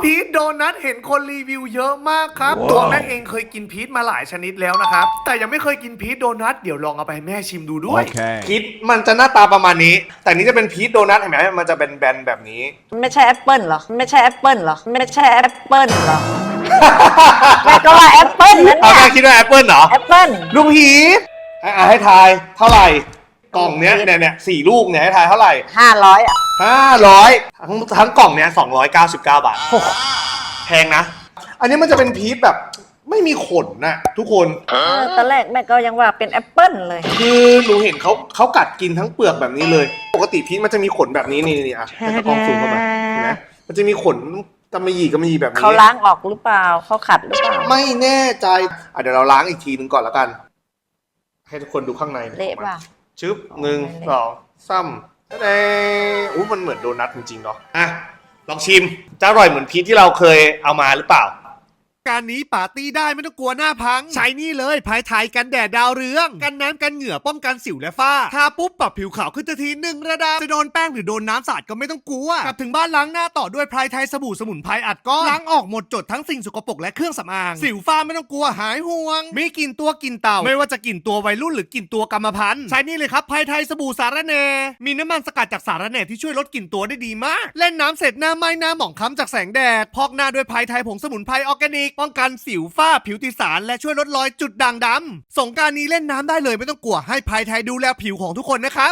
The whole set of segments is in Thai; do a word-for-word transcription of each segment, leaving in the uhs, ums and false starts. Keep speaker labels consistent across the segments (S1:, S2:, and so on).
S1: พีชโดนัทเห็นคนรีวิวเยอะมากครับ wow. ตัวแม่เองเคยกินพีชมาหลายชนิดแล้วนะครับแต่ยังไม่เคยกินพีชโดนัทเดี๋ยวลองเอาไปให้แม่ชิมดูด้วย
S2: okay.
S1: พีชมันจะหน้าตาประมาณนี้แต่นี้จะเป็นพีชโดนัทเห็นไหมมันจะเป็นแบนๆแบบนี้
S3: ไม่ใช่แอปเปิลเหรอไม่ใช่แอปเปิลเหรอไม่ใช่แอปเปิลเหรอแม่ก็ว่าแอปเปิลนั่นเนี่ย
S1: แม่คิดว่าแอปเปิลเหรอ
S3: แอปเปิล
S1: ลูกพีชอ่ะให้ทายเท่าไหร่กล่องเนี้ยเนี่ยเนี่ยสี่ลูกเนี่ยให้ทายเท่าไหร่
S3: ห้าร้อยอ่ะ
S1: ห้าร้อยทั้งทั้งกล่องเนี้ยสองร้อยเก้าสิบเก้าบาทแพงนะอันนี้มันจะเป็นพีชแบบไม่มีขนนะทุกคน
S3: ตอนแรกแม่ก็ยังว่าเป็นแอปเปิลเลย
S1: คือหนูเห็นเขาเขากัดกินทั้งเปลือกแบบนี้เลยปกติพีชมันจะมีขนแบบนี้นี่นี่อ่ะให้ตะกล้องซูมเข้ามาเห็นไหมมันจะมีขนกำมะหยี่กำมะหยี่แบบนี้
S3: เขาล้างออกหรือเปล่าเขาขัดหรือเปล่า
S1: ไม่แน่ใจอ่ะเดี๋ยวเราล้างอีกทีนึงก่อนแล้วกันให้ทุกคนดูข้างใน
S3: เละป่ะ
S1: ชึบหนึ่งสองซ้ำเอ้อู้มันเหมือนโดนัทจริงๆเนาะอ่ะลองชิมจะอร่อยเหมือนพีชที่เราเคยเอามาหรือเปล่าการนี้ปาร์ตี้ได้ไม่ต้องกลัวหน้าพังใช้นี่เลยภายไทยกันแดดดาวเรืองกันน้ำกันเหงื่อป้องกันสิวและฝ้าทาปุ๊บปรับผิวขาวขึ้นทันทีหนึ่งระดับจะโดนแป้งหรือโดนน้ำสาดก็ไม่ต้องกลัวกลับถึงบ้านล้างหน้าต่อด้วยภายไทยสบู่สมุนไพรอัดก้อนล้างออกหมดจดทั้งสิ่งสกปรกและเครื่องสำอางสิวฝ้าไม่ต้องกลัวหายห่วงมีกลิ่นตัวกลิ่นเต่าไม่ว่าจะกลิ่นตัววัยรุ่นหรือกลิ่นตัวกรรมพันธุ์ใช้นี่เลยครับภายไทยสบู่สารแหน่มีน้ำมันสกัดจากสารแหน่ที่ช่วยลดกลิ่นตัวได้ดีมากเล่นน้ำเสร็จหน้าไหม้หน้าหมองคล้ำจากแสงแดดพอกหน้าด้วยภายไทยผงสมุนไพรออร์แกนิกป้องกันสิวฝ้าผิวติดสารและช่วยลดรอยจุดด่างดำสงกรานต์นี้เล่นน้ำได้เลยไม่ต้องกลัวให้ภายไทยดูแลผิวของทุกคนนะครับ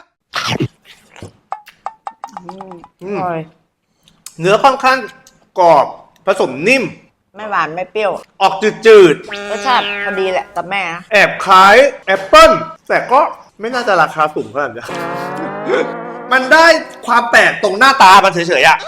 S1: เนื้อค่อนข้างกรอบผสมนิ่ม
S3: ไม่หวานไม่เปรี้ยว
S1: ออกจืด
S3: ๆรสชาติพอดีแหละกับแม่
S1: แอบคล้ายแอปเปิ้ลแต่ก็ไม่น่าจะราคาสูงขนาดนี้มันได้ความแปลกตรงหน้าตามันเฉยๆอะ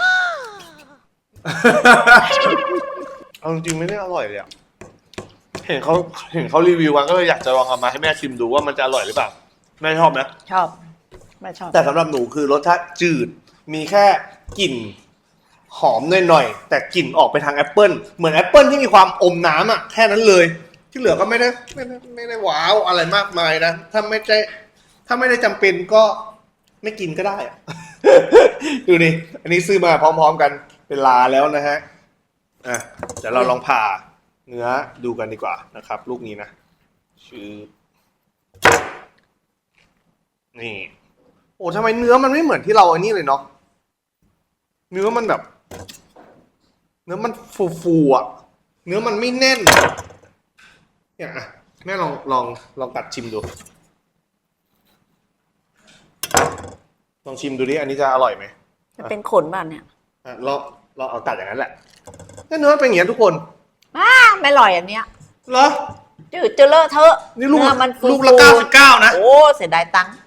S1: เอาจริงๆไม่ได้อร่อยเลยอะเห็นเขาเห็นเขารีวิวกันก็เลยอยากจะลองเอามาให้แม่ชิมดูว่ามันจะอร่อยหรือเปล่าแม่ชอบไหม
S3: ชอบแม่ชอบ
S1: แต่สำหรับหนูคือรสชาติจืดมีแค่กลิ่นหอมหน่อยๆแต่กลิ่นออกไปทางแอปเปิ้ลเหมือนแอปเปิ้ลที่มีความอมน้ำอ่ะแค่นั้นเลยที่เหลือก็ไม่ได้ไม่ได้ไม่ได้ว้าวอะไรมากมายนะถ้าไม่ได้ถ้าไม่ได้จำเป็นก็ไม่กินก็ได้อะ ดูนี่อันนี้ซื้อมาพร้อมๆกันเป็นลาแล้วนะฮะอ่ะเดี๋ยวเราลองผ่าเนื้อดูกันดีกว่านะครับลูกนี้นะชื่อนี่โอ้ทำไมเนื้อมันไม่เหมือนที่เราอันนี้เลยเนาะเนื้อมันแบบเนื้อมันฟูๆอ่ะเนื้อมันไม่แน่นเนี่ยอ่ะแม่ลองลองลองกัดชิมดูลองชิมดูดิอันนี้จะอร่อยไหม
S3: จะเป็นขนบ้านเนี่ย
S1: อ่ะลองลองเอากัดอย่างนั้นแหละเนื้อเป็นอย่างนี้ทุกคน
S3: อ้าไม่อร่อยอันเนี้ย
S1: เหรอ
S3: จืดจะเลอะเทอะ
S1: นี่ลูก
S3: มัน
S1: ลูกละเก้าสิบเก้านะ
S3: โอ้เสียดายตังค์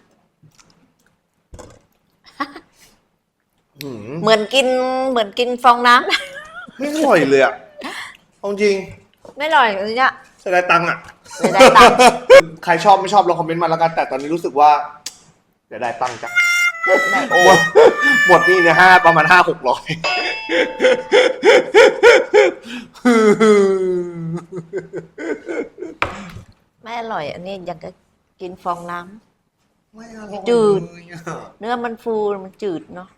S3: เหมือนกินเหมือนกินฟองน้
S1: ำไม่อร่อยเลยอ่ะเอาจริง
S3: ไม่อร่อยอันนี้
S1: เสียดายตังค์อ่ะ
S3: เสียดายตังค์
S1: ใครชอบไม่ชอบลองคอมเมนต์มาแล้วกันแต่ตอนนี้รู้สึกว่าเสียดายตังค์จ้ะโอ้หมดนี่เนี่ยห้าประมาณห้าหกร้อย
S3: ไม่อร่อยอันนี้อยากจะกินฟองน้ำจืดเนื้อมันฟูมันจืดเนาะ